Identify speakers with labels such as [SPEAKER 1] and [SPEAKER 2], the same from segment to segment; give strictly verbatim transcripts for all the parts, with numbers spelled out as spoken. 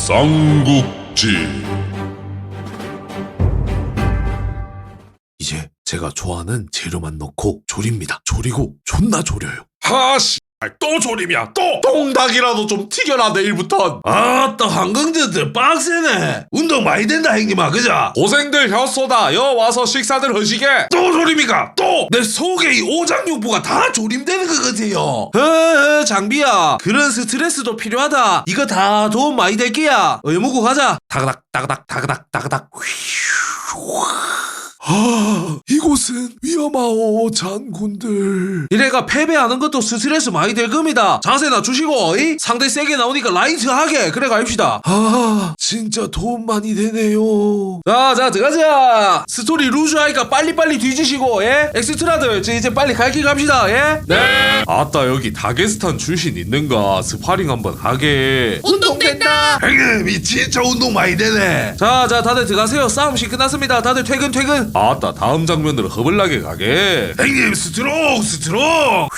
[SPEAKER 1] 삼국지.
[SPEAKER 2] 이제 제가 좋아하는 재료만 넣고 조립니다. 조리고 존나 조려요.
[SPEAKER 1] 하씨, 또 조림이야 또.
[SPEAKER 2] 똥닭이라도 좀 튀겨라 내일부턴.
[SPEAKER 1] 아따 한강제들 빡세네. 운동 많이 된다 형님아 그자.
[SPEAKER 2] 고생들 혔소다. 여 와서 식사들 하시게.
[SPEAKER 1] 또 조림이가 또. 내 속에 이 오장육부가 다 조림되는 것 같아요.
[SPEAKER 2] 에, 장비야. 그런 스트레스도 필요하다. 이거 다 도움 많이 될 게야. 의무고 가자. 다그닥 다그닥 다그닥 다그닥.
[SPEAKER 1] 아, 이곳은 위험하오 장군들.
[SPEAKER 2] 이래가 패배하는 것도 스트레스 많이 될 겁니다. 자세나 주시고 이? 상대 세게 나오니까 라이트하게 그래 갑시다.
[SPEAKER 1] 아, 진짜 도움 많이 되네요.
[SPEAKER 2] 자자 들어가자. 스토리 루즈 하니까 빨리빨리 뒤지시고 예? 엑스트라들 저 이제 빨리 갈 길 갑시다. 예?
[SPEAKER 1] 네.
[SPEAKER 2] 아따 여기 다게스탄 출신 있는가 스파링 한번 하게.
[SPEAKER 3] 운동된다.
[SPEAKER 1] 형님 이 진짜 운동 많이 되네.
[SPEAKER 2] 자자 다들 들어가세요. 싸움식 끝났습니다. 다들 퇴근 퇴근. 아따 다음 장면으로 허블나게 가게.
[SPEAKER 1] 형님 스트로크 스트로크.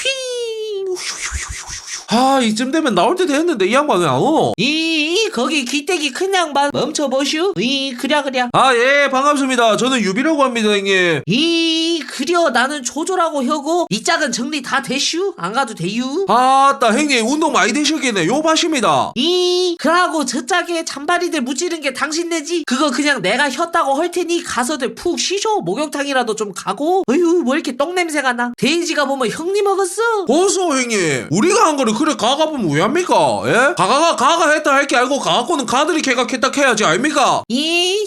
[SPEAKER 2] 아 이쯤 되면 나올 때 됐는데 이 양반 왜 안 오?
[SPEAKER 3] 이 거기 기대기 큰 양반 멈춰보슈. 이 그랴 그랴.
[SPEAKER 2] 아 예 반갑습니다. 저는 유비라고 합니다 형님.
[SPEAKER 3] 이 그려 나는 조조라고 혀고 이 짝은 정리 다 되슈. 안 가도 돼유.
[SPEAKER 2] 아따 형님 운동 많이 되셨겠네. 요바십니다.
[SPEAKER 3] 이 그러고 저 짝에 잔바리들 무찌른 게 당신네지. 그거 그냥 내가 혔다고 할 테니 가서들 푹 쉬쇼. 목욕탕이라도 좀 가고. 어휴 뭐 이렇게 똥냄새가 나. 돼지가 보면 형님 먹었어.
[SPEAKER 2] 보소 형님 우리가 한 거를 그래 가가보면 왜 합니까? 예? 가가가 가가 했다 할 게 알고 가갖고는 가들이 개각했다 해야지 아닙니까?
[SPEAKER 3] 이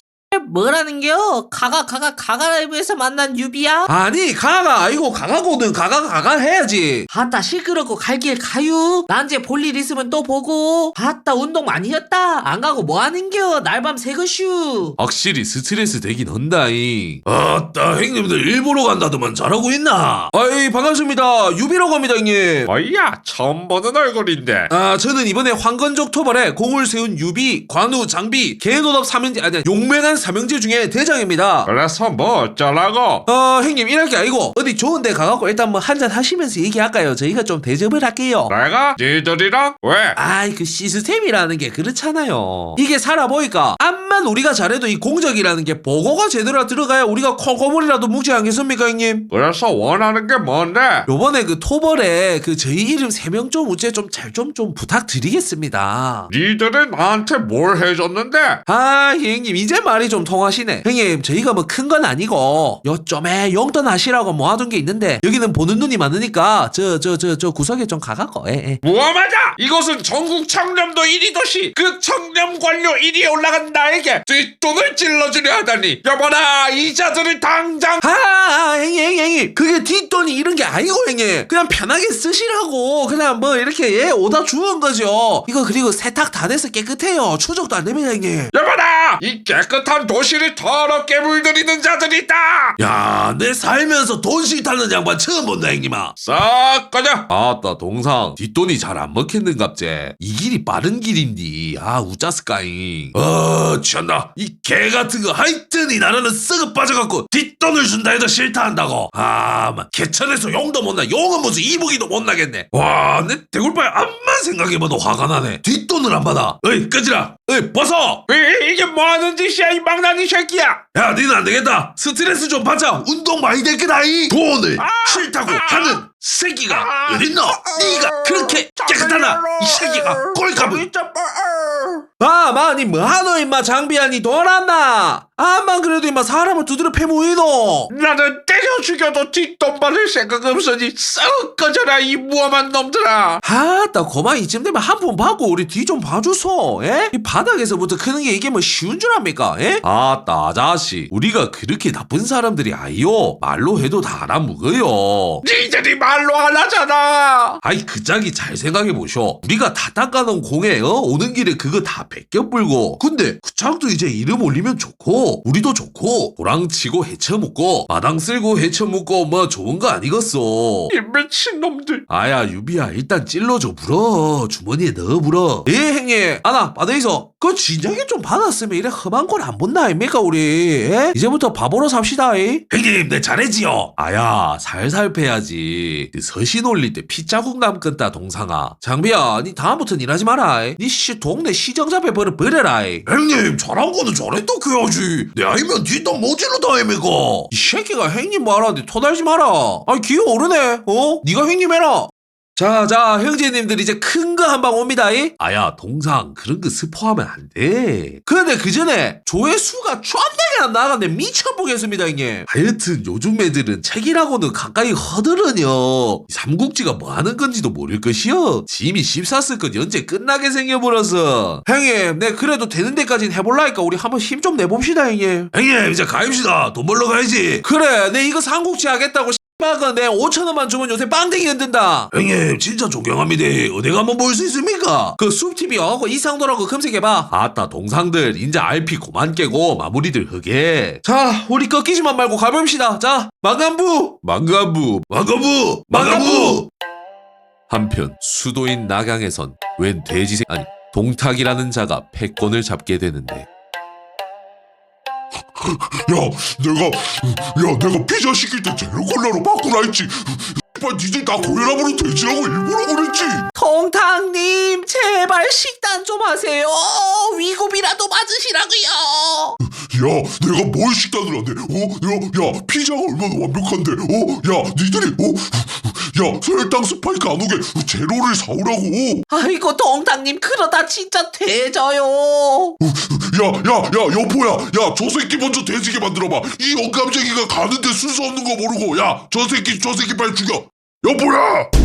[SPEAKER 3] 뭐라는겨? 가가 가가 가가라이브에서 만난 유비야?
[SPEAKER 2] 아니 가가 아니고 가가고는 가가 가가 해야지.
[SPEAKER 3] 아따 시끄럽고 갈 길 가유. 난 이제 볼 일 있으면 또 보고. 아따 운동 많이 했다. 안 가고 뭐 하는겨? 날밤 새것슈.
[SPEAKER 2] 확실히 스트레스 되긴 한다잉.
[SPEAKER 1] 아따 형님들 일부러 간다더만 잘하고 있나?
[SPEAKER 2] 아이 반갑습니다. 유비라고 합니다 형님.
[SPEAKER 4] 어이야 처음 보는 얼굴인데.
[SPEAKER 2] 아 저는 이번에 황건적 토벌에 공을 세운 유비, 관우, 장비, 개노답 삼형제 아니 용맹한 삼형제 중에 대장입니다.
[SPEAKER 4] 그래서 뭐 어쩌라고?
[SPEAKER 2] 어 형님 이럴 게 아니고 어디 좋은 데 가갖고 일단 뭐 한잔 하시면서 얘기할까요? 저희가 좀 대접을 할게요.
[SPEAKER 4] 내가? 니들이랑? 왜?
[SPEAKER 2] 아이 그 시스템이라는 게 그렇잖아요. 이게 살아보니까 암만 우리가 잘해도 이 공적이라는 게 보고가 제대로 들어가야 우리가 콩고물이라도 묵지 않겠습니까 형님?
[SPEAKER 4] 그래서 원하는 게 뭔데?
[SPEAKER 2] 요번에 그 토벌에 그 저희 이름 세 명 좀 우째 좀 잘 좀 좀 부탁드리겠습니다.
[SPEAKER 4] 니들이 나한테 뭘 해줬는데?
[SPEAKER 2] 아 형님 이제 말이 좀 통하시네. 형님 저희가 뭐 큰 건 아니고 요점에 용돈 하시라고 모아둔 게 있는데 여기는 보는 눈이 많으니까 저 저 저 저 구석에 좀 가갖고 예, 예.
[SPEAKER 4] 무엄하다! 이곳은 전국 청렴도 일 위 도시. 그 청렴 관료 일 위에 올라간 나에게 뒷돈을 찔러주려 하다니. 여보라 이자들을 당장.
[SPEAKER 2] 아, 아 형님 형님 형님 그게 뒷돈이 이런 게 아니고 형님 그냥 편하게 쓰시라고 그냥 뭐 이렇게 예 오다 주는 거죠. 이거 그리고 세탁 다 돼서 깨끗해요. 추적도 안 됩니다 형님.
[SPEAKER 4] 여보라 이 깨끗한 도시를 더럽게 물들이는 자들이 있다.
[SPEAKER 1] 야, 내 살면서 돈 싫다는 양반 처음 본다 형님아.
[SPEAKER 4] 싹 꺼져.
[SPEAKER 2] 아따 동상 뒷돈이 잘 안 먹혔는갑제. 이 길이 빠른 길인디 아 우짜스까잉.
[SPEAKER 1] 어, 취한다. 이 개 같은 거 하여튼 이 나라는 썩어 빠져갖고 뒷돈을 준다 해도 싫다 한다고. 아, 막 개천에서 용도 못 나. 용은 무슨 이북이도 못 나겠네. 와, 내 대굴바에 암만 생각해봐도 화가 나네. 뒷돈을 안 받아. 어이, 끄지라. 어이, 벗어.
[SPEAKER 4] 이, 이게 뭐하는 짓이야 이 망나니 새끼야.
[SPEAKER 1] 야, 니는 안 되겠다. 스트레스 좀 받자. 운동 많이 될 거다. 이 돈을 싫다고 하는 새끼가 어딨노? 니가 그렇게 깨끗하나? 이 새끼가 꼴값을.
[SPEAKER 2] 아 마니 뭐하노 임마 장비야 니 돈 왔나? 암만 그래도 임마 사람을 두드려 패모이노.
[SPEAKER 4] 나는 때려 죽여도 뒷돈 받을 생각 없으니 썩 꺼져라 이 무엄한 놈들아.
[SPEAKER 2] 아따 고만 이쯤 되면 한 푼 받고 우리 뒤 좀 봐주소. 예? 이 바닥에서부터 크는 게 이게 뭐 쉬운 줄 압니까? 예? 아따 아자씨 우리가 그렇게 나쁜 사람들이 아니요. 말로 해도 다 알아먹어요.
[SPEAKER 4] 니들이 말로 안 하잖아.
[SPEAKER 2] 아이 그 짝이 잘 생각해보쇼. 우리가 다 닦아놓은 공에 어? 오는 길에 그거 다 벗겨불고 근데 그 짝도 이제 이름 올리면 좋고 우리도 좋고 도랑치고 헤쳐먹고 마당 쓸고 헤쳐먹고 뭐 좋은 거 아니겠어.
[SPEAKER 4] 이 미친놈들.
[SPEAKER 2] 아야 유비야 일단 찔러줘 불어. 주머니에 넣어 불어. 예 형님 아나 받아이소. 그 진작에 좀 받았으면 이래 험한 걸 안 본다 아닙니까 우리. 예? 이제부터 바보로 삽시다. 이?
[SPEAKER 1] 형님, 내 잘해지요.
[SPEAKER 2] 아야 살살 패야지. 서신 올릴 때 피자국 남겠다 동상아. 장비야 니 다음부터는 일하지 마라. 니 씨 동네 시정 정잡해 버려 버려라. 이
[SPEAKER 1] 형님 잘한 거는 잘했다 해야지. 내 아이면 뒷담 모질르다 아닙니까?
[SPEAKER 2] 새끼가 형님 말하는데 토달지 마라. 아니 기어오르네. 어? 네가 형님 해라. 자자 형제님들 이제 큰 거 한 방 옵니다. 이? 아야 동상 그런 거 스포하면 안 돼. 그런데 그 전에 조회수가 쫀나게 안 나가네. 미쳐보겠습니다 형님. 하여튼 요즘 애들은 책이라고는 가까이 허들으뇨. 삼국지가 뭐 하는 건지도 모를 것이요. 짐이 십사스 건 연재 끝나게 생겨버려서. 형님 내 그래도 되는 데까진 해볼라니까 우리 한번 힘 좀 내봅시다 형님.
[SPEAKER 1] 형님 이제 가입시다. 돈 벌러 가야지.
[SPEAKER 2] 그래 내 이거 삼국지 하겠다고 씨발가 내 오천원만 주면 요새 빵댕이 흔든다.
[SPEAKER 1] 형님 진짜 존경합니다. 어디 가면 볼 수 있습니까?
[SPEAKER 2] 그 숲티비 어고 이상도라고 검색해봐. 아따 동상들 인자 알피 고만 깨고 마무리들 하게. 자 우리 꺾이지만 말고 가봅시다. 자 망간부 망간부
[SPEAKER 1] 마가부
[SPEAKER 2] 마가부. 한편 수도인 낙양에선 웬 돼지새 아니 동탁이라는 자가 패권을 잡게 되는데
[SPEAKER 5] 야, 내가, 야, 내가 피자 시킬 때 제로 콜라로 바꾸라 했지. 씨발, 니들 다 고혈압으로 돼지라고 일부러 그랬지.
[SPEAKER 3] 통탕님 제발 식단 좀 하세요. 위급이라도 맞으시라고요.
[SPEAKER 5] 야, 내가 뭘 식단을 하네. 어, 야, 야, 피자가 얼마나 완벽한데. 어, 야, 니들이, 어, 야, 혈당 스파이크 안 오게 제로를 사오라고.
[SPEAKER 3] 아이고 통탕님 그러다 진짜 돼져요.
[SPEAKER 5] 야, 야, 야, 여보야, 야, 저 새끼 먼저 돼지게 만들어봐. 이 영감쟁이가 가는데 순서 없는 거 모르고, 야, 저 새끼, 저 새끼 빨리 죽여. 여보야.